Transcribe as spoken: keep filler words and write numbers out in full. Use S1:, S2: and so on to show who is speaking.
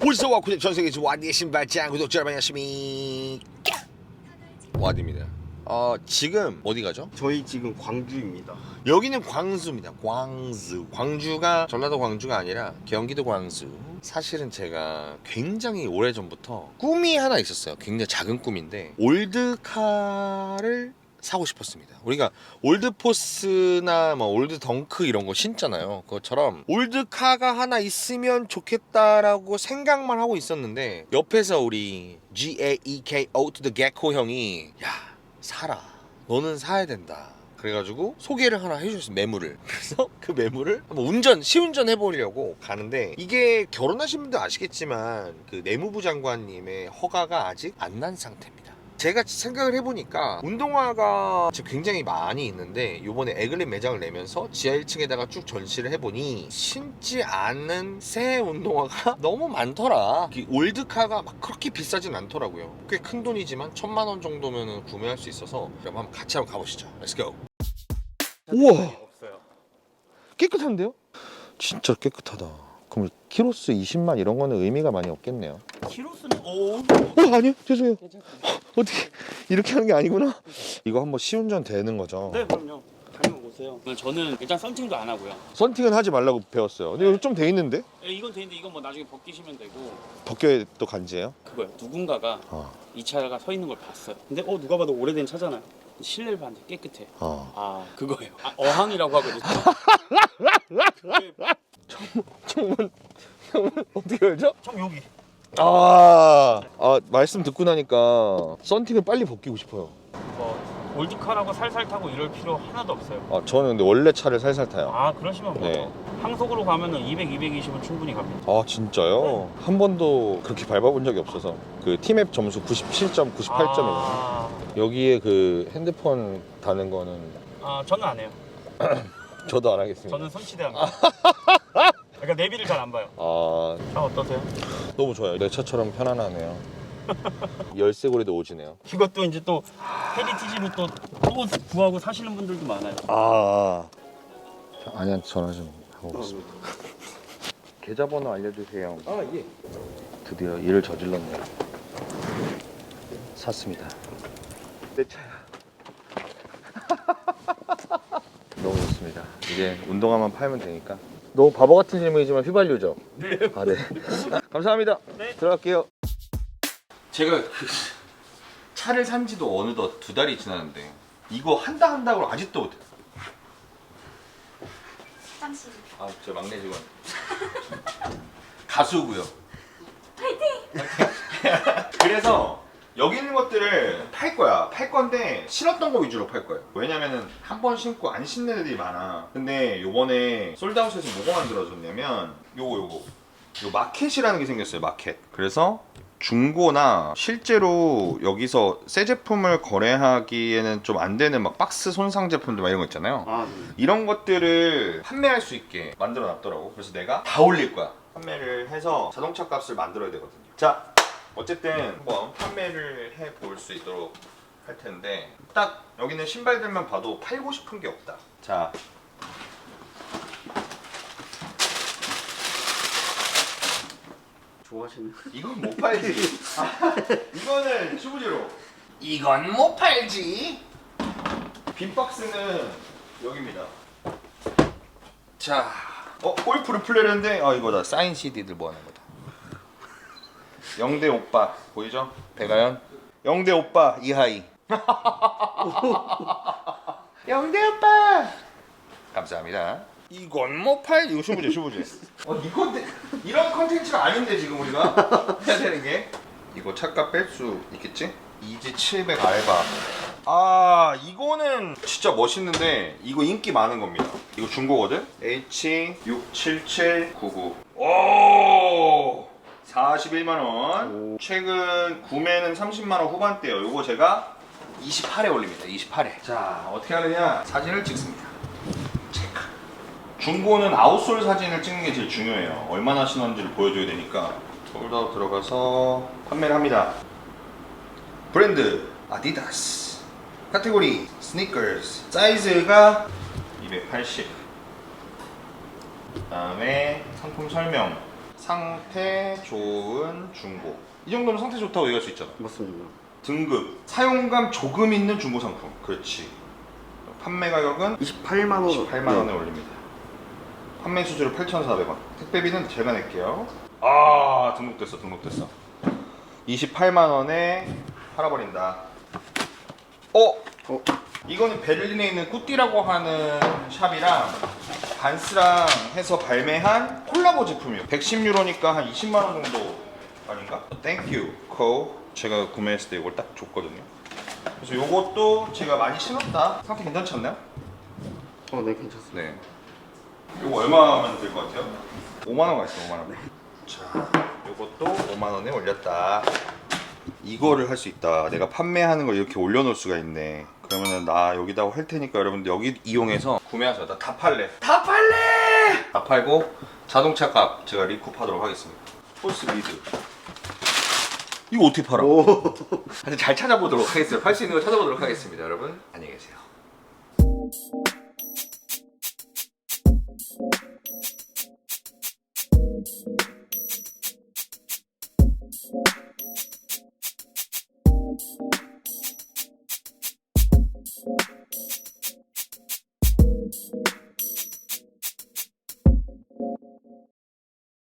S1: 울서와 구독 전세계에서 와디의 신발장 구독자 여러분 안녕하십니까 와디입니다. 어, 지금 어디 가죠?
S2: 저희 지금 광주입니다.
S1: 여기는 광주입니다. 광주. 광주가 전라도 광주가 아니라 경기도 광주. 사실은 제가 굉장히 오래전부터 꿈이 하나 있었어요. 굉장히 작은 꿈인데 올드카를 사고 싶었습니다. 우리가 올드포스나 뭐 올드 덩크 이런 거 신잖아요. 그것처럼 올드카가 하나 있으면 좋겠다라고 생각만 하고 있었는데 옆에서 우리 G A E K O to the Gecko 형이 야 사라, 너는 사야 된다. 그래가지고 소개를 하나 해주셨어요. 매물을. 그래서 그 매물을 한번 운전 시운전 해보려고 가는데, 이게 결혼하신 분들 아시겠지만 그 내무부 장관님의 허가가 아직 안 난 상태입니다. 제가 생각을 해보니까 운동화가 지금 굉장히 많이 있는데 요번에 에글린 매장을 내면서 지하 일 층에다가 쭉 전시를 해보니 신지 않은 새 운동화가 너무 많더라. 올드카가 막 그렇게 비싸진 않더라고요. 꽤 큰 돈이지만 천만 원 정도면 구매할 수 있어서 그럼 한번 같이 한번 가보시죠. Let's go. 우와,
S2: 없어요.
S1: 깨끗한데요? 진짜 깨끗하다. 그럼 키로수 이십만 이런 거는 의미가 많이 없겠네요.
S2: 키로수는 오.
S1: 어, 아니요, 죄송해요. 어떻게 이렇게 하는 게 아니구나. 이거 한번 시운전 되는 거죠?
S2: 네, 그럼요. 당연히 오세요. 저는 일단 썬팅도 안 하고요.
S1: 썬팅은 하지 말라고 배웠어요. 근데 이거 좀 돼 있는데?
S2: 예, 이건 되는데 이건 뭐 나중에 벗기시면 되고.
S1: 벗겨야 또 간지예요?
S2: 그거요. 누군가가
S1: 어.
S2: 이 차가 서 있는 걸 봤어요. 근데 어 누가 봐도 오래된 차잖아요. 실내를 봤는데 깨끗해.
S1: 어.
S2: 아 그거예요. 아, 어항이라고 하거든요. 그게
S1: 창문, 창문 어떻게 열죠?
S2: 참 여기.
S1: 아, 아 말씀 듣고 나니까 썬팅을 빨리 벗기고 싶어요.
S2: 뭐 올드카라고 살살 타고 이럴 필요 하나도 없어요.
S1: 아, 저는 근데 원래 차를 살살 타요.
S2: 아 그러시면 뭐
S1: 네.
S2: 항속으로 가면은 이백, 이백이십은 충분히 갑니다.
S1: 아, 진짜요? 한 번도 그렇게 밟아본 적이 없어서. 그 티맵 점수 구십칠 점, 구십팔 점이에요.
S2: 아,
S1: 여기에 그 핸드폰 다는 거는
S2: 아 저는 안 해요.
S1: 저도 안 하겠습니다.
S2: 저는 손치대합니다. 그러니까 내비를 잘 안 봐요.
S1: 아,
S2: 차 어떠세요?
S1: 너무 좋아요. 내 차처럼 편안하네요. 열쇠고리도 오지네요.
S2: 이것도 이제 또 헤리티지로 또, 또 구하고 사시는 분들도 많아요.
S1: 아, 아니한테 전화 좀 하고 오겠습니다. 계좌번호 알려주세요.
S2: 아 예.
S1: 드디어 일을 저질렀네요. 샀습니다. 내 차야. 너무 좋습니다. 이제 운동화만 팔면 되니까. 너무 바보 같은 질문이지만 휘발유죠?
S2: 네.
S1: 아, 네. 감사합니다.
S2: 네.
S1: 들어갈게요. 제가 그 차를 산 지도 어느덧 두 달이 지났는데 이거 한다 한다고 아직도 못해.
S3: 화장실.
S1: 아, 저 막내 직원. 가수고요. 파이팅! 그래서 여기 있는 것들을 팔 거야. 팔 건데 신었던 거 위주로 팔 거예요. 왜냐면은 한 번 신고 안 신는 애들이 많아. 근데 요번에 솔드아웃에서 뭐가 만들어졌냐면 요거 요거 요 마켓이라는 게 생겼어요. 마켓. 그래서 중고나 실제로 여기서 새 제품을 거래하기에는 좀 안 되는 막 박스 손상 제품들 막 이런 거 있잖아요.
S2: 아 네.
S1: 이런 것들을 판매할 수 있게 만들어 놨더라고. 그래서 내가 다 올릴 거야. 판매를 해서 자동차 값을 만들어야 되거든요. 자, 어쨌든 한번 판매를 해 볼 수 있도록 할 텐데, 딱 여기는 신발들만 봐도 팔고 싶은 게 없다. 자,
S2: 좋아하시는.
S1: 이건 못 팔지. 아, 이거는 슈브지로. 이건 못 팔지. 빈 박스는 여기입니다. 자, 어 골프를 플레이했는데, 아 이거다. 사인 씨디들 모아놓은 거다. 영대 오빠 보이죠? 배가연. 영대 오빠 이하이. 영대 오빠. 감사합니다. 이건 못 팔. 이거 슈브지 슈브지. 어, 이 컨텐 이런 컨텐츠가 아닌데 지금 우리가 해야 되는 게, 이거 차값 뺄 수 있겠지? 이지 칠백 알바. 아, 이거는 진짜 멋있는데 이거 인기 많은 겁니다. 이거 중고거든? 에이치 육 칠칠 구구. 오! 사십일만 원. 최근 구매는 삼십만 원 후반대요. 이거 제가 이십팔에 올립니다. 이십팔에. 자, 어떻게 하느냐? 사진을 찍습니다. 체크. 중고는 아웃솔 사진을 찍는 게 제일 중요해요. 얼마나 신었는지를 보여줘야 되니까. 폴더 들어가서 판매를 합니다. 브랜드 아디다스. 카테고리 스니커스. 사이즈가 이백팔십. 그 다음에 상품 설명. 상태 좋은 중고. 이 정도면 상태 좋다고 얘기할 수 있잖아.
S2: 맞습니다.
S1: 등급 사용감 조금 있는 중고 상품. 그렇지. 판매 가격은
S2: 이십팔만 원.
S1: 이십팔만 원에 올립니다. 판매 수수료 팔천사백 원. 택배비는 제가 낼게요. 아, 등록됐어, 등록됐어. 이십팔만 원에 팔아버린다. 어?
S2: 어?
S1: 이거는 베를린에 있는 꾸띠라고 하는 샵이랑 반스랑 해서 발매한 콜라보 제품이에요. 백십 유로니까 한 이십만 원 정도 아닌가? 땡큐 코. 제가 구매했을 때 이걸 딱 줬거든요. 그래서 이것도 제가 많이 신었다. 상태 괜찮지 않나요?
S2: 어, 네, 괜찮습니다.
S1: 네. 이거 얼마면 될 것 같아요? 오만 원 가있어, 오만 원. 자, 이것도 오만 원에 올렸다. 이거를 할 수 있다. 내가 판매하는 걸 이렇게 올려놓을 수가 있네. 그러면은 나 여기다 할 테니까 여러분들 여기 이용해서 구매하세요. 나 다 팔래. 다 팔래! 다 팔고 자동차 값 제가 리쿠하도록 하겠습니다. 폴스 리드. 이거 어떻게 팔아? 하여튼 잘 찾아보도록 하겠습니다. 팔 수 있는 걸 찾아보도록 하겠습니다. 여러분 안녕히 계세요.